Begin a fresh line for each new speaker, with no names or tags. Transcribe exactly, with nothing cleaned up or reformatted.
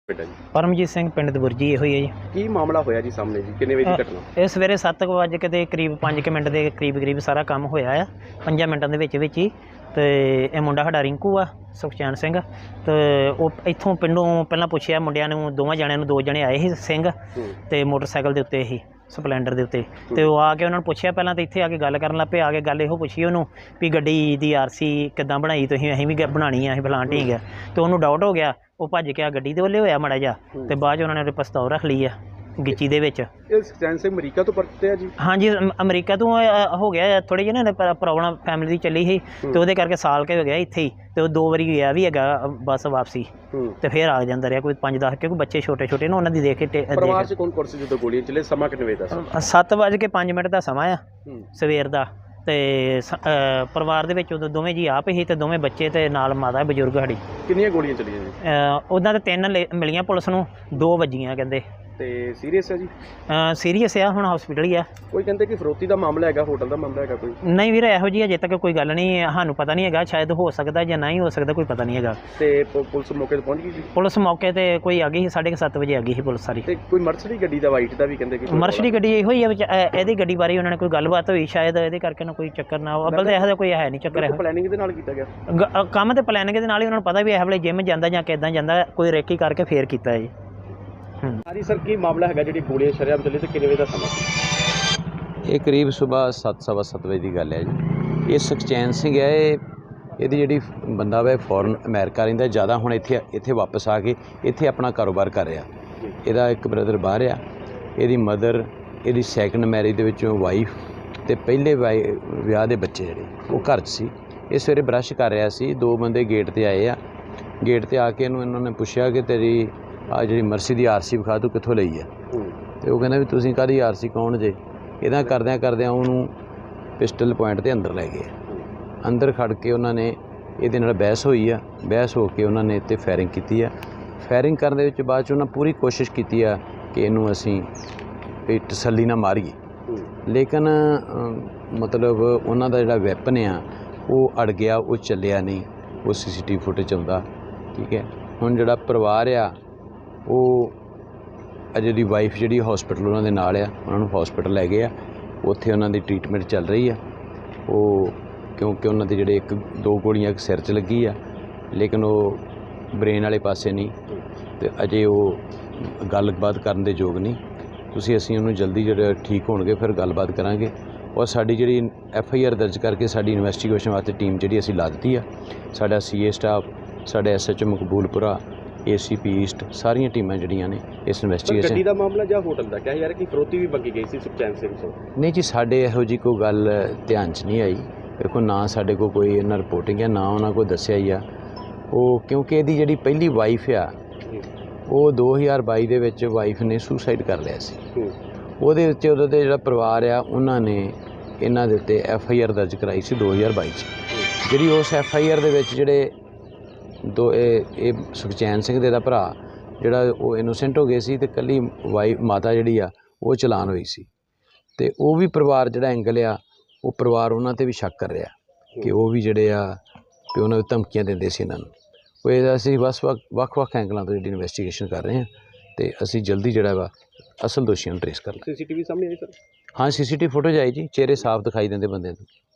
बेटा जी
परमजीत सिंह पिंड दबुरजी ਇਹੋ ਹੀ ਹੈ ਜੀ।
ਕੀ ਮਾਮਲਾ ਹੋਇਆ ਜੀ ਸਾਹਮਣੇ ਜੀ ਕਿੰਨੇ ਵਜੇ ਦੀ ਘਟਨਾ?
ਇਹ ਸਵੇਰੇ ਸੱਤ ਕੁ ਵਜੇ ਕੇ ਕਰੀਬ ਪੰਜ ਕੁ ਮਿੰਟ ਦੇ ਕਰੀਬ ਕਰੀਬ ਸਾਰਾ ਕੰਮ ਹੋਇਆ ਆ ਪੰਜਾਂ ਮਿੰਟਾਂ ਦੇ ਵਿੱਚ ਵਿੱਚ ਹੀ। ਤੇ ਇਹ ਮੁੰਡਾ ਸਾਡਾ ਰਿੰਕੂ ਆ ਸੁਖਚੈਨ ਸਿੰਘ। ਤੇ ਉਹ ਇੱਥੋਂ ਪਿੰਡੋਂ ਪਹਿਲਾਂ ਪੁੱਛਿਆ ਮੁੰਡਿਆਂ ਨੂੰ, ਦੋਵਾਂ ਜਣਿਆਂ ਨੂੰ, ਦੋ ਜਣੇ ਆਏ ਸੀ ਸਿੰਘ ਤੇ ਮੋਟਰਸਾਈਕਲ ਦੇ ਉੱਤੇ ਹੀ ਸਪਲੈਂਡਰ ਦੇ ਉੱਤੇ। ਤੇ ਉਹ ਆ ਕੇ ਉਹਨਾਂ ਨੂੰ ਪੁੱਛਿਆ ਪਹਿਲਾਂ, ਤਾਂ ਇੱਥੇ ਆ ਕੇ ਗੱਲ ਕਰਨ ਲੱਗ ਪਏ। ਆ ਕੇ ਗੱਲ ਇਹੋ ਪੁੱਛੀ ਉਹਨੂੰ ਵੀ ਗੱਡੀ ਦੀ ਆਰ ਸੀ ਕਿੱਦਾਂ ਬਣਾਈ ਤੁਸੀਂ? ਅਸੀਂ ਵੀ ਬਣਾਉਣੀ ਆ, ਅਸੀਂ ਫਲਾਣ ਢੀਂਗ ਆ। ਤੇ ਉਹਨੂੰ ਡਾਊਟ ਹੋ ਗਿਆ, ਉਹ ਭੱਜ ਕੇ ਆ ਗੱਡੀ ਦੇ ਵੱਲੇ ਹੋਇਆ ਮਾੜਾ ਜਿਹਾ। ਤੇ ਬਾਅਦ 'ਚ ਉਹਨਾਂ ਨੇ ਉਹਦੇ ਪਿਸਤੌਲ ਰੱਖ ਲਈ ਆ ਗਿੱਚੀ ਦੇ ਵਿੱਚ।
ਇਹ ਸੁਖਚੈਨ ਸਿੰਘ ਅਮਰੀਕਾ ਤੋਂ ਪਰਤੇ ਆ ਜੀ?
ਹਾਂਜੀ, ਅਮ- ਅਮਰੀਕਾ ਤੋਂ ਅ, ਹੋ ਗਿਆ ਥੋੜ੍ਹੀ ਜਿਹੀ ਨਾ ਪ੍ਰੋਬਲਮ ਫੈਮਿਲੀ ਦੀ ਚੱਲੀ ਸੀ। ਤੇ ਉਹਦੇ ਕਰਕੇ ਸਾਲ ਕੇ ਹੋ ਗਿਆ ਇੱਥੇ ਹੀ। ਤੇ ਉਹ ਦੋ ਵਾਰੀ ਗਿਆ ਵੀ ਹੈਗਾ ਬੱਸ ਵਾਪਸੀ। ਤੇ ਫਿਰ ਆ ਜਾਂਦਾ ਰਿਹਾ ਕੋਈ ਪੰਜ ਦਸ, ਕਿਉਂਕਿ ਬੱਚੇ ਛੋਟੇ ਛੋਟੇ ਨੇ ਉਹਨਾਂ ਦੀ ਦੇਖ ਕੇ।
ਪਰਿਵਾਰ 'ਚ ਕੌਣ ਕੌਣ ਸੀ ਜਦੋਂ ਗੋਲੀਆਂ ਚੱਲੇ? ਸਮਾਂ ਕਿੰਨੇ ਵਜੇ ਦਾ ਸੀ?
ਸੱਤ ਵੱਜ ਕੇ ਪੰਜ ਮਿੰਟ ਦਾ ਸਮਾਂ ਆ ਸਵੇਰ ਦਾ। ਤੇ ਸ- ਅ, ਪਰਿਵਾਰ ਦੇ ਵਿੱਚ ਉਦੋਂ ਦੋਵੇਂ ਜੀ ਆਪ ਹੀ ਤੇ ਦੋਵੇਂ ਬੱਚੇ ਤੇ ਨਾਲ ਮਾਤਾ ਬਜ਼ੁਰਗ ਸਾਡੀ।
ਕਿੰਨੀਆਂ ਗੋਲੀਆਂ ਚੱਲੀਆਂ ਜੀ?
ਉਹਨਾਂ ਦੇ ਤਿੰਨ ਲੇ- ਮਿਲੀਆਂ ਪੁਲਿਸ ਨੂੰ, ਦੋ ਵੱਜੀਆਂ ਕਹਿੰਦੇ।
ਤੇ ਸੀਰੀਅਸ ਹੈ ਜੀ?
ਸੀਰੀਅਸ ਆ, ਹੁਣ ਹਸਪੀਟਲ ਹੀ ਆ।
ਕੋਈ ਕਹਿੰਦੇ ਕਿ ਫਰੋਤੀ ਦਾ ਮਾਮਲਾ ਹੈਗਾ, ਹੋਟਲ ਦਾ ਮਾਮਲਾ ਹੈਗਾ ਕੋਈ?
ਨਹੀਂ ਵੀਰ, ਇਹੋ ਜਿਹੀ ਅਜੇ ਤੱਕ ਕੋਈ ਗੱਲ ਨਹੀਂ, ਸਾਨੂੰ ਪਤਾ ਨਹੀਂ ਹੈਗਾ। ਸ਼ਾਇਦ ਹੋ ਸਕਦਾ ਜਾਂ ਨਹੀਂ ਹੋ ਸਕਦਾ, ਕੋਈ ਪਤਾ ਨਹੀਂ ਹੈਗਾ।
ਤੇ ਪ- ਪੁਲਿਸ ਮੌਕੇ ਤੇ ਪਹੁੰਚ ਗਈ ਜੀ?
ਪੁਲਿਸ ਮੌਕੇ ਤੇ ਕੋਈ ਆ ਗਈ ਸੀ, ਸਾਢੇ ਕੁ ਸੱਤ ਵਜੇ ਆ ਗਈ ਸੀ ਪੁਲਿਸ ਸਾਰੀ।
ਤੇ ਕੋਈ ਮਰਸਡੀ ਗੱਡੀ ਦਾ ਵਾਈਟ ਦਾ ਵੀ ਕਹਿੰਦੇ ਕਿ
ਮਰਸ਼ਡੀ ਗੱਡੀ ਇਹੋ ਹੀ ਆ ਵਿੱਚ। ਇਹ- ਇਹਦੀ ਗੱਡੀ ਬਾਰੇ ਉਹਨਾਂ ਨੇ ਕੋਈ ਗੱਲਬਾਤ ਹੋਈ ਸ਼ਾਇਦ, ਇਹਦੇ ਕਰਕੇ ਨਾ ਕੋਈ ਚੱਕਰ ਨਾ ਹੋ। ਅੱਬਲ ਤਾਂ ਇਹੋ ਜਿਹਾ ਕੋਈ ਹੈ ਨਹੀਂ ਚੱਕਰ। ਇਹੋ
ਪਲੈਨਿੰਗ ਦੇ ਨਾਲ ਕੀਤਾ ਗਿਆ
ਗ- ਅ, ਕੰਮ ਤੇ ਪਲੈਨਿੰਗ ਦੇ ਨਾਲ ਹੀ ਉਹਨਾਂ ਨੂੰ ਪਤਾ ਵੀ ਇਹ ਵੇਲੇ ਜਿਮ ਜਾਂਦਾ ਜਾਂ ਕਿੱਦਾਂ ਜਾਂਦਾ, ਕੋਈ ਰੇਕੀ ਕਰਕੇ ਫੇਰ ਕੀਤਾ ਹੈ ਜੀ।
ਹਾਂਜੀ ਸਰ, ਕੀ ਮਾਮਲਾ ਹੈਗਾ ਜਿਹੜੀ ਗੋਲੀਆਂ ਸ਼ਰੇਆਮ ਚੱਲੀ ਤੇ ਕਿੰਨੇ ਵਜੇ ਦਾ ਸਮਾਂ ਸੀ?
ਇਹ ਕਰੀਬ ਸੁਬਾਹ ਸੱਤ ਸਵਾ ਸੱਤ ਵਜੇ ਦੀ ਗੱਲ ਹੈ ਜੀ। ਇਹ ਸੁਖਚੈਨ ਸਿੰਘ ਹੈ। ਇਹ ਇਹਦੀ ਜਿਹੜੀ ਬੰਦਾ ਵਾ ਫੋਰਨ ਅਮਰੀਕਾ ਰਹਿੰਦਾ, ਜ਼ਿਆਦਾ ਹੁਣ ਇੱਥੇ ਇੱਥੇ ਵਾਪਸ ਆ ਕੇ ਇੱਥੇ ਆਪਣਾ ਕਾਰੋਬਾਰ ਕਰ ਰਿਹਾ। ਇਹਦਾ ਇੱਕ ਬ੍ਰਦਰ ਬਾਹਰ ਆ, ਇਹਦੀ ਮਦਰ, ਇਹਦੀ ਸੈਕੰਡ ਮੈਰਿਜ ਦੇ ਵਿੱਚੋਂ ਵਾਈਫ ਅਤੇ ਪਹਿਲੇ ਵਾਈ ਵਿਆਹ ਦੇ ਬੱਚੇ ਜਿਹੜੇ ਉਹ ਘਰ 'ਚ ਸੀ। ਇਹ ਸਵੇਰੇ ਬਰੱਸ਼ ਕਰ ਰਿਹਾ ਸੀ, ਦੋ ਬੰਦੇ ਗੇਟ 'ਤੇ ਆਏ ਆ। ਗੇਟ 'ਤੇ ਆ ਕੇ ਇਹਨੂੰ ਇਹਨਾਂ ਨੇ ਪੁੱਛਿਆ ਕਿ ਤੇਰੀ ਆ ਜਿਹੜੀ ਮਰਸੀ ਦੀ ਆਰ ਸੀ ਵਿਖਾ, ਤੂੰ ਕਿੱਥੋਂ ਲਈ ਆ? ਅਤੇ ਉਹ ਕਹਿੰਦਾ ਵੀ ਤੁਸੀਂ ਕਾਹਦੀ ਆਰ ਸੀ, ਕੌਣ ਜੇ? ਇੱਦਾਂ ਕਰਦਿਆਂ ਕਰਦਿਆਂ ਉਹਨੂੰ ਪਿਸਟਲ ਪੁਆਇੰਟ 'ਤੇ ਅੰਦਰ ਲੈ ਗਏ। ਅੰਦਰ ਖੜ ਕੇ ਉਹਨਾਂ ਨੇ ਇਹਦੇ ਨਾਲ ਬਹਿਸ ਹੋਈ ਆ। ਬਹਿਸ ਹੋ ਕੇ ਉਹਨਾਂ ਨੇ ਇੱਥੇ ਫਾਇਰਿੰਗ ਕੀਤੀ ਆ। ਫਾਇਰਿੰਗ ਕਰਨ ਦੇ ਵਿੱਚ ਬਾਅਦ 'ਚ ਉਹਨਾਂ ਪੂਰੀ ਕੋਸ਼ਿਸ਼ ਕੀਤੀ ਆ ਕਿ ਇਹਨੂੰ ਅਸੀਂ ਵੀ ਤਸੱਲੀ ਨਾਲ ਮਾਰੀਏ, ਲੇਕਿਨ ਮਤਲਬ ਉਹਨਾਂ ਦਾ ਜਿਹੜਾ ਵੈਪਨ ਆ ਉਹ ਅੜ ਗਿਆ, ਉਹ ਚੱਲਿਆ ਨਹੀਂ। ਉਹ ਸੀ ਸੀ ਟੀ ਵੀ ਫੁਟੇਜ ਆਉਂਦਾ। ਠੀਕ ਹੈ, ਹੁਣ ਜਿਹੜਾ ਪਰਿਵਾਰ ਆ ਉਹ ਅਜੇ ਦੀ ਵਾਈਫ ਜਿਹੜੀ ਹੌਸਪੀਟਲ ਉਹਨਾਂ ਦੇ ਨਾਲ ਆ, ਉਹਨਾਂ ਨੂੰ ਹੌਸਪੀਟਲ ਲੈ ਗਏ ਆ। ਉੱਥੇ ਉਹਨਾਂ ਦੀ ਟਰੀਟਮੈਂਟ ਚੱਲ ਰਹੀ ਆ। ਉਹ ਕਿਉਂਕਿ ਉਹਨਾਂ ਦੇ ਜਿਹੜੇ ਇੱਕ ਦੋ ਗੋਲੀਆਂ ਇੱਕ ਸਿਰ 'ਚ ਲੱਗੀ ਆ, ਲੇਕਿਨ ਉਹ ਬ੍ਰੇਨ ਵਾਲੇ ਪਾਸੇ ਨਹੀਂ, ਅਤੇ ਅਜੇ ਉਹ ਗੱਲਬਾਤ ਕਰਨ ਦੇ ਯੋਗ ਨਹੀਂ। ਤੁਸੀਂ ਅਸੀਂ ਉਹਨੂੰ ਜਲਦੀ ਜਿਹੜਾ ਠੀਕ ਹੋਣਗੇ ਫਿਰ ਗੱਲਬਾਤ ਕਰਾਂਗੇ। ਔਰ ਸਾਡੀ ਜਿਹੜੀ ਐਫ ਆਈ ਆਰ ਦਰਜ ਕਰਕੇ ਸਾਡੀ ਇਨਵੈਸਟੀਗੇਸ਼ਨ ਵਾਸਤੇ ਟੀਮ ਜਿਹੜੀ ਅਸੀਂ ਲਾ ਦਿੱਤੀ ਆ। ਸਾਡਾ ਸੀ ਏ ਸਟਾਫ, ਸਾਡੇ S H O Maqboolpura, A C P east, ਸਾਰੀਆਂ ਟੀਮਾਂ ਜਿਹੜੀਆਂ ਨੇ ਇਸ ਇਨਵੈਸਟੀਗੇਸ਼ਨ।
ਗੱਡੀ ਦਾ ਮਾਮਲਾ ਜਾਂ ਹੋਟਲ ਦਾ ਕਿਹਾ ਯਾਰ ਕਿ ਫਰੋਤੀ ਵੀ ਮੰਗੀ ਗਈ ਸੀ ਸੁਖਚੈਨ ਸਿੰਘ ਤੋਂ?
ਨਹੀਂ ਜੀ, ਸਾਡੇ ਇਹੋ ਜਿਹੀ ਕੋਈ ਗੱਲ ਧਿਆਨ 'ਚ ਨਹੀਂ ਆਈ। ਦੇਖੋ, ਨਾ ਸਾਡੇ ਕੋਲ ਕੋਈ ਇਹਨਾਂ ਰਿਪੋਰਟਿੰਗ ਹੈ, ਨਾ ਉਹਨਾਂ ਕੋਲ ਦੱਸਿਆ ਹੀ ਆ। ਉਹ ਕਿਉਂਕਿ ਇਹਦੀ ਜਿਹੜੀ ਪਹਿਲੀ ਵਾਈਫ ਆ ਉਹ ਦੋ ਹਜ਼ਾਰ ਬਾਈ ਦੇ ਵਿੱਚ ਵਾਈਫ ਨੇ ਸੁਸਾਈਡ ਕਰ ਲਿਆ ਸੀ। ਉਹਦੇ ਵਿੱਚ ਉਹਦੇ ਤੇ ਜਿਹੜਾ ਪਰਿਵਾਰ ਆ ਉਹਨਾਂ ਨੇ ਇਹਨਾਂ ਦੇ ਉੱਤੇ ਐਫ ਆਈ ਆਰ ਦਰਜ ਕਰਾਈ ਸੀ ਦੋ ਹਜ਼ਾਰ ਬਾਈ 'ਚ। ਜਿਹੜੀ ਉਸ ਐਫ ਆਈ ਆਰ ਦੇ ਵਿੱਚ ਜਿਹੜੇ ਦੋ ਇਹ ਇਹ ਸੁਖਚੈਨ ਸਿੰਘ ਦੇ ਦਾ ਭਰਾ ਜਿਹੜਾ ਉਹ ਇਨੋਸੈਂਟ ਹੋ ਗਏ ਸੀ, ਅਤੇ ਇਕੱਲੀ ਵਾਈਫ ਮਾਤਾ ਜਿਹੜੀ ਆ ਉਹ ਚਲਾਨ ਹੋਈ ਸੀ। ਅਤੇ ਉਹ ਵੀ ਪਰਿਵਾਰ ਜਿਹੜਾ ਐਂਗਲ ਆ, ਉਹ ਪਰਿਵਾਰ ਉਹਨਾਂ 'ਤੇ ਵੀ ਸ਼ੱਕ ਕਰ ਰਿਹਾ ਕਿ ਉਹ ਵੀ ਜਿਹੜੇ ਆ ਕਿ ਉਹਨਾਂ ਨੂੰ ਧਮਕੀਆਂ ਦਿੰਦੇ ਸੀ ਇਹਨਾਂ ਨੂੰ। ਉਹ ਇਹਦਾ ਅਸੀਂ ਬਸ ਵੱਖ ਵੱਖ ਵੱਖ ਐਂਗਲਾਂ ਤੋਂ ਜਿਹੜੀ ਇਨਵੈਸਟੀਗੇਸ਼ਨ ਕਰ ਰਹੇ ਹਾਂ, ਅਤੇ ਅਸੀਂ ਜਲਦੀ ਜਿਹੜਾ ਵਾ ਅਸਲ ਦੋਸ਼ੀਆਂ ਨੂੰ ਟਰੇਸ ਕਰ ਲਾਂਗੇ।
ਸੀ ਸੀ ਟੀ ਵੀ ਸਾਹਮਣੇ ਆਈ ਸਰ?
ਹਾਂ, ਸੀ ਸੀ ਟੀ ਵੀ ਫੁਟੇਜ ਆਈ ਜੀ, ਚਿਹਰੇ ਸਾਫ਼ ਦਿਖਾਈ ਦਿੰਦੇ ਬੰਦੇ ਨੂੰ।